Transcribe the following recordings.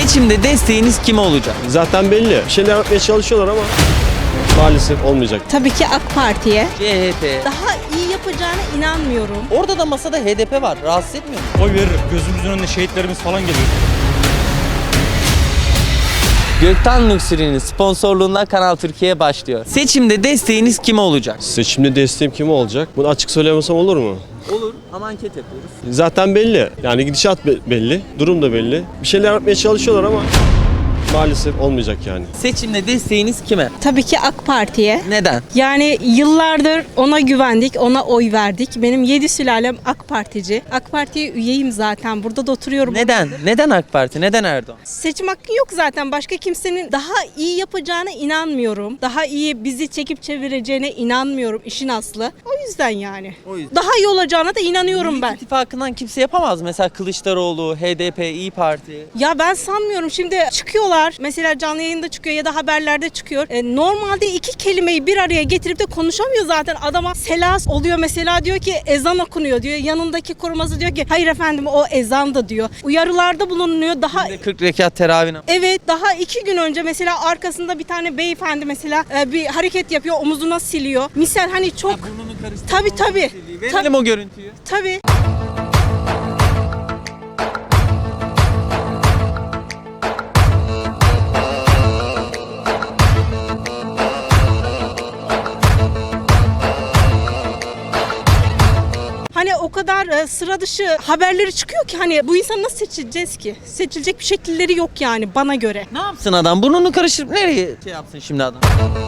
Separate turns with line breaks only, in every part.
Seçimde desteğiniz kime olacak?
Zaten belli. Bir şeyler yapmaya çalışıyorlar ama maalesef olmayacak.
Tabii ki AK Parti'ye.
CHP.
Daha iyi yapacağına inanmıyorum.
Orada da masada HDP var. Rahatsız etmiyor mu?
Oy veririm. Gözümüzün önünde şehitlerimiz falan geliyor.
Gökten Luxury'nin sponsorluğunda Kanal Türkiye başlıyor. Seçimde desteğiniz kime olacak?
Seçimde desteğim kime olacak? Bunu açık söylemesem olur mu?
Olur ama anket yapıyoruz.
Zaten belli. Yani gidişat belli. Durum da belli. Bir şeyler yapmaya çalışıyorlar ama maalesef olmayacak yani.
Seçimde desteğiniz kime?
Tabii ki AK Parti'ye.
Neden?
Yani yıllardır ona güvendik, ona oy verdik. Benim 7 sülalem AK Partici. AK Parti'ye üyeyim zaten. Burada da oturuyorum.
Neden? Neden AK Parti? Neden Erdoğan?
Seçim hakkı yok zaten. Başka kimsenin daha iyi yapacağına inanmıyorum. Daha iyi bizi çekip çevireceğine inanmıyorum işin aslı. O yüzden yani.
O yüzden.
Daha iyi olacağına da inanıyorum
Millet
ben.
İttifakı'ndan kimse yapamaz. Mesela Kılıçdaroğlu, HDP, İYİ Parti.
Ya ben sanmıyorum. Şimdi çıkıyorlar. Mesela canlı yayında çıkıyor ya da haberlerde çıkıyor. Normalde iki kelimeyi bir araya getirip de konuşamıyor zaten. Adama selas oluyor mesela, diyor ki ezan okunuyor diyor. Yanındaki koruması diyor ki hayır efendim o ezan da diyor. Uyarılarda bulunuyor. Daha
40 rekat teravih namazı.
evet, daha 2 gün önce mesela arkasında bir tane beyefendi mesela bir hareket yapıyor, omuzuna siliyor. Misal hani çok tabii.
Verelim o görüntüyü.
Tabii. Hani o kadar sıra dışı haberleri çıkıyor ki hani bu insanı nasıl seçeceğiz ki? Seçilecek bir şekilleri yok yani bana göre.
Ne yapsın adam? Burnunu karıştırıp nereye yapsın şimdi adam?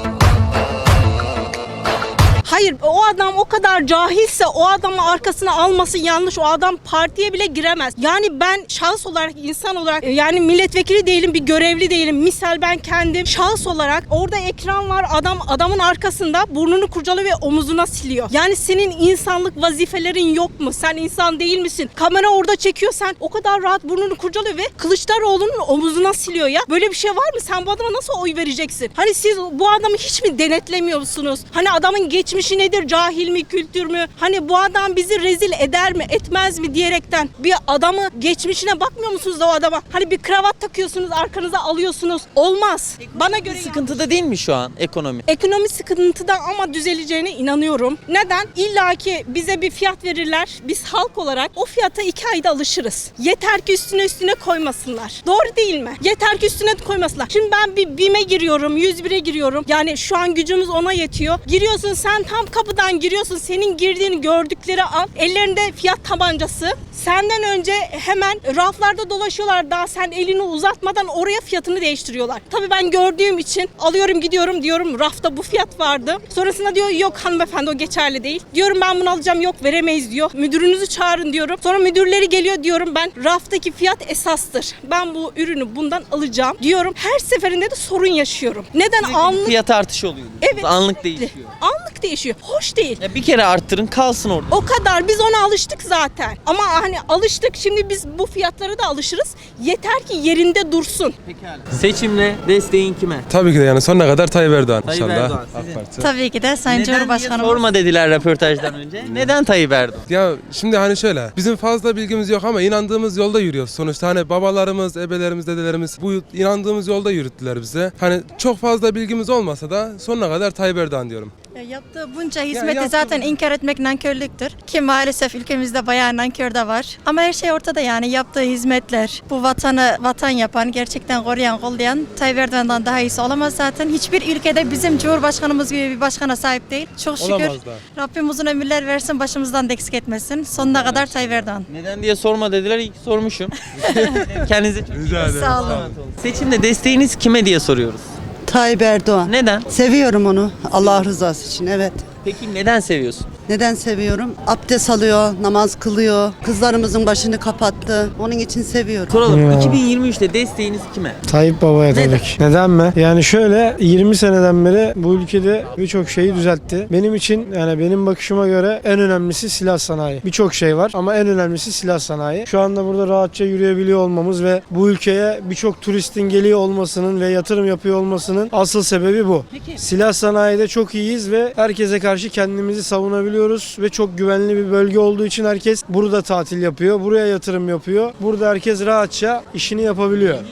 Hayır, o adam o kadar cahilse o adamı arkasına alması yanlış. O adam partiye bile giremez. Yani ben şahıs olarak, insan olarak yani milletvekili değilim, bir görevli değilim. Misal ben kendim şahıs olarak orada ekran var, adamın arkasında burnunu kurcalıyor ve omuzuna siliyor. Yani senin insanlık vazifelerin yok mu? Sen insan değil misin? Kamera orada çekiyor, sen o kadar rahat burnunu kurcalıyor ve Kılıçdaroğlu'nun omuzuna siliyor ya. Böyle bir şey var mı? Sen bu adama nasıl oy vereceksin? Hani siz bu adamı hiç mi denetlemiyorsunuz? Hani adamın geçmişi nedir? Cahil mi, kültür mü? Hani bu adam bizi rezil eder mi, etmez mi diyerekten bir adamı geçmişine bakmıyor musunuz da o adama? Hani bir kravat takıyorsunuz, arkanıza alıyorsunuz. Olmaz. Bana göre
Sıkıntıda değil mi şu an ekonomi?
ekonomi sıkıntıda ama düzeleceğine inanıyorum. Neden? İlla ki bize bir fiyat verirler. Biz halk olarak o fiyata 2 ayda alışırız. Yeter ki üstüne koymasınlar. Doğru değil mi? Yeter ki üstüne koymasınlar. Şimdi ben bir BİM'e giriyorum, 101'e giriyorum. Yani şu an gücümüz ona yetiyor. Giriyorsun, sen tam kapıdan giriyorsun. Senin girdiğini gördükleri an ellerinde fiyat tabancası. Senden önce hemen raflarda dolaşıyorlar. Daha sen elini uzatmadan oraya fiyatını değiştiriyorlar. Tabii ben gördüğüm için alıyorum, gidiyorum, diyorum rafta bu fiyat vardı. Sonrasında diyor yok hanımefendi o geçerli değil. Diyorum ben bunu alacağım, yok veremeyiz diyor. Müdürünüzü çağırın diyorum. Sonra müdürleri geliyor, diyorum ben raftaki fiyat esastır. Ben bu ürünü bundan alacağım diyorum. Her seferinde de sorun yaşıyorum. Neden? Anlık.
Fiyat artışı oluyor.
Evet.
Anlık değişiyor.
Anlık değişiyor. Hoş değil.
Ya bir kere arttırın kalsın orada.
O kadar. Biz ona alıştık zaten. Ama hani alıştık. Şimdi biz bu fiyatlara da alışırız. Yeter ki yerinde dursun.
Seçimle desteğin kime?
Tabii ki de yani sonuna kadar Tayyip Erdoğan
Tayyip
inşallah.
Erdoğan, sizin?
AK Parti.
Tabii ki de Sayın
Neden diye
Cumhurbaşkanımız.
sorma dediler röportajdan önce. Neden Tayyip Erdoğan?
Ya şimdi hani şöyle bizim fazla bilgimiz yok ama inandığımız yolda yürüyoruz. Sonuçta hani babalarımız, ebelerimiz, dedelerimiz bu inandığımız yolda yürüttüler bize. Hani çok fazla bilgimiz olmasa da sonuna kadar Tayyip Erdoğan diyorum.
Yaptığı bunca hizmeti
yaptığı-
zaten inkar etmek nankörlüktür. Ki maalesef ülkemizde bayağı nankör de var. Ama her şey ortada yani yaptığı hizmetler, bu vatanı vatan yapan, gerçekten koruyan, kollayan Tayyip Erdoğan'dan daha iyisi olamaz zaten. Hiçbir ülkede bizim Cumhurbaşkanımız gibi bir başkana sahip değil. Çok şükür
Olamaz da.
Rabbim uzun ömürler versin, başımızdan da eksik etmesin. Sonuna kadar Tayyip Erdoğan.
Neden diye sorma dediler. İyi ki sormuşum. Kendinize çok iyi bakın.
Sağ olun.
Seçimde desteğiniz kime diye soruyoruz.
Tayyip Erdoğan.
Neden?
Seviyorum onu. Allah rızası için, evet.
Peki neden seviyorsun?
Neden seviyorum? Abdest alıyor, namaz kılıyor. Kızlarımızın başını kapattı. Onun için seviyorum.
Soralım. 2023'te desteğiniz kime?
Tayyip Baba'ya
Neden?
tabii ki. Neden mi? Yani şöyle 20 seneden beri bu ülkede birçok şeyi düzeltti. Benim için yani benim bakışıma göre en önemlisi silah sanayi. Birçok şey var ama en önemlisi silah sanayi. Şu anda burada rahatça yürüyebiliyor olmamız ve bu ülkeye birçok turistin geliyor olmasının ve yatırım yapıyor olmasının asıl sebebi bu.
Peki.
Silah sanayide çok iyiyiz ve herkese karşı kendimizi savunabiliyoruz ve çok güvenli bir bölge olduğu için herkes burada tatil yapıyor, buraya yatırım yapıyor. Burada herkes rahatça işini yapabiliyor.
Millet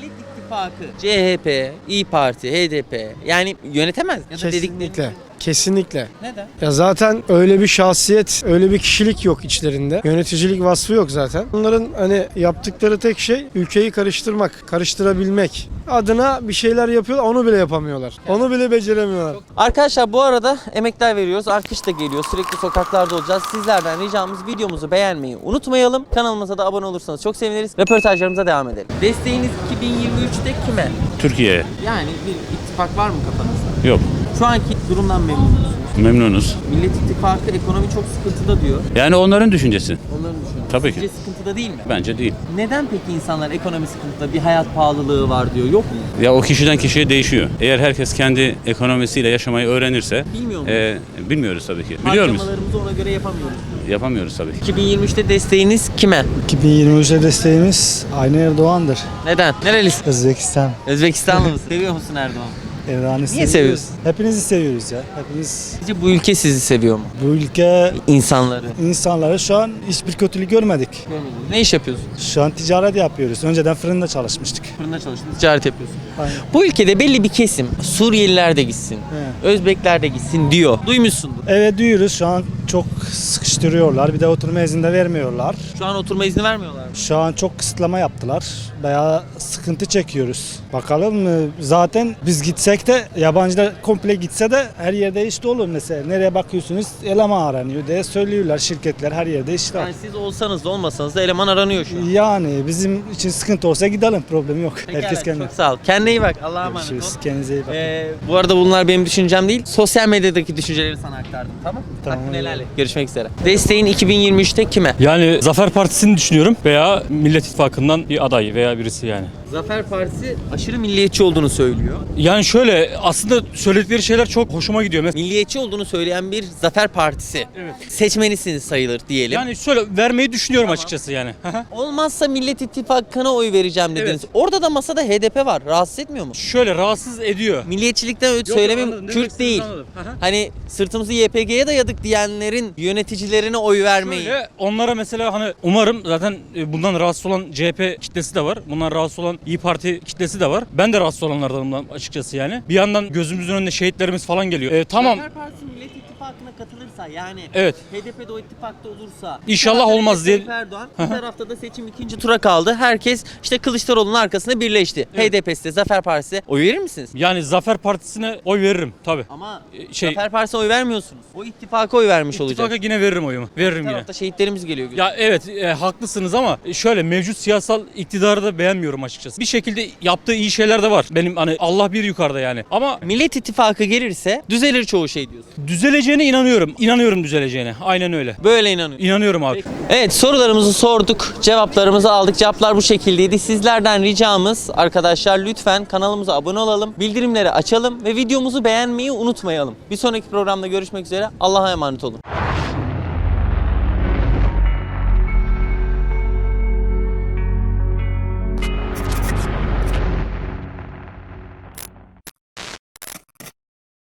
İttifakı CHP, İyi Parti, HDP yani yönetemez ya da dedikleri.
Kesinlikle. Kesinlikle.
Neden?
Ya zaten öyle bir şahsiyet, öyle bir kişilik yok içlerinde. Yöneticilik vasfı yok zaten. Onların hani yaptıkları tek şey ülkeyi karıştırmak, karıştırabilmek. Adına bir şeyler yapıyorlar, onu bile yapamıyorlar. Onu bile beceremiyorlar.
Arkadaşlar bu arada emekler veriyoruz. Alkış da geliyor. Sürekli sokaklarda olacağız. Sizlerden ricamız videomuzu beğenmeyi unutmayalım. Kanalımıza da abone olursanız çok seviniriz. Röportajlarımıza devam edelim. Desteğiniz 2023'te kime?
Türkiye'ye.
Yani bir ittifak var mı kafanızda?
Yok.
Şu anki durumdan memnun musunuz?
Memnunuz.
Millet İttifakı ekonomi çok sıkıntıda diyor.
Yani onların düşüncesi.
Onların düşünüyor.
Tabii
Sizce
ki.
sıkıntıda değil mi?
Bence değil.
Neden peki insanlar ekonomi sıkıntıda, bir hayat pahalılığı var diyor, yok mu?
Ya o kişiden kişiye değişiyor. Eğer herkes kendi ekonomisiyle yaşamayı öğrenirse
Bilmiyor muyuz?
bilmiyoruz tabii ki. Biliyor muyuz?
Harcamalarımızı ona göre yapamıyoruz.
Yapamıyoruz tabii ki.
2023'te desteğiniz kime?
2023'e desteğimiz aynı Erdoğan'dır.
Neden? Nerelisin?
Özbekistan.
Özbekistanlı mısın? Seviyor musun Erdoğan'ı?
Erdoğan'ı
Niye seviyorsun?
Hepinizi seviyoruz ya. Hepiniz.
Sizce bu ülke sizi seviyor mu?
Bu ülke
İnsanları.
insanları şu an hiçbir kötülük görmedik.
Ne iş yapıyorsun?
Şu an ticaret yapıyoruz. Önceden fırında çalışmıştık.
Fırında çalıştın, ticaret yapıyorsun.
Aynen.
Bu ülkede belli bir kesim, Suriyeliler de gitsin,
Evet.
Özbekler de gitsin diyor. Duymuşsundur.
Evet duyuyoruz. Şu an çok sıkıştırıyorlar. Bir de oturma izni de vermiyorlar.
Şu an oturma izni vermiyorlar mı?
Şu an çok kısıtlama yaptılar. Bayağı sıkıntı çekiyoruz. Bakalım zaten biz gitsek de yabancılar komple gitse de her yerde işte olur mesela. Nereye bakıyorsunuz eleman aranıyor diye söylüyorlar şirketler her yerde işte.
Yani siz olsanız da olmasanız da eleman aranıyor şu an.
Yani bizim için sıkıntı olsa gidelim, problem yok.
Pekala,
Herkes kendine.
çok sağ ol. Kendine iyi bak. Allah'a emanet ol.
Görüşürüz. Kendinize iyi bakın.
Bu arada bunlar benim düşüncem değil. Sosyal medyadaki düşünceleri sana aktardım. Tamam?
Tamam.
Hakkını helal et. Görüşmek üzere. Desteğin 2023'te kime?
Yani Zafer Partisi'ni düşünüyorum veya Millet İttifakı'ndan bir aday veya birisi yani.
Zafer Partisi aşırı milliyetçi olduğunu söylüyor.
Yani şöyle aslında söyledikleri şeyler çok hoşuma gidiyor.
Milliyetçi olduğunu söyleyen bir Zafer Partisi.
Evet.
Seçmenisiniz sayılır diyelim.
Yani şöyle vermeyi düşünüyorum açıkçası yani.
Olmazsa Millet İttifakı'na oy vereceğim dediniz.
Evet.
Orada da masada HDP var. Rahatsız etmiyor mu?
Şöyle rahatsız ediyor.
Milliyetçilikten öyle
Yok,
söylemeyeyim.
anladım. Ne demek
Kürt değil.
istediğinizi anladım.
Hani sırtımızı YPG'ye dayadık diyenlerin yöneticilerine oy vermeyi.
Şöyle onlara mesela hani umarım zaten bundan rahatsız olan CHP kitlesi de var. Bundan rahatsız olan İyi Parti kitlesi de var. Ben de rahatsız olanlardanım açıkçası yani. Bir yandan gözümüzün önüne şehitlerimiz falan geliyor. Tamam.
Zafer Partisi Millet İttifakı'na katılırsa yani
Evet.
HDP de o ittifakta olursa
İnşallah
bir tarafta
olmaz diye-
Recep Erdoğan, bir tarafta da seçim ikinci tura kaldı. Herkes işte Kılıçdaroğlu'nun arkasında birleşti.
Evet.
HDP'si de Zafer Partisi oy verir misiniz?
Yani Zafer Partisi'ne oy veririm tabii.
Ama
şey-
Zafer Partisi'ne oy vermiyorsunuz. O ittifaka oy vermiş
İttifaka
olacak.
yine veririm oyumu. Veririm
Bir
yine.
tarafta şehitlerimiz geliyor.
Ya evet haklısınız ama şöyle mevcut siyasal iktidarı da beğenmiyorum açıkçası. Bir şekilde yaptığı iyi şeyler de var. Benim hani Allah bir yukarıda yani. Ama
Millet İttifakı gelirse düzelir çoğu şey diyorsun.
düzeleceğine inanıyorum. İnanıyorum düzeleceğine. Aynen öyle.
Böyle inanıyorum.
İnanıyorum abi.
Evet, sorularımızı sorduk, cevaplarımızı aldık. Cevaplar bu şekildeydi. Sizlerden ricamız arkadaşlar lütfen kanalımıza abone olalım, bildirimleri açalım ve videomuzu beğenmeyi unutmayalım. Bir sonraki programda görüşmek üzere. Allah'a emanet olun.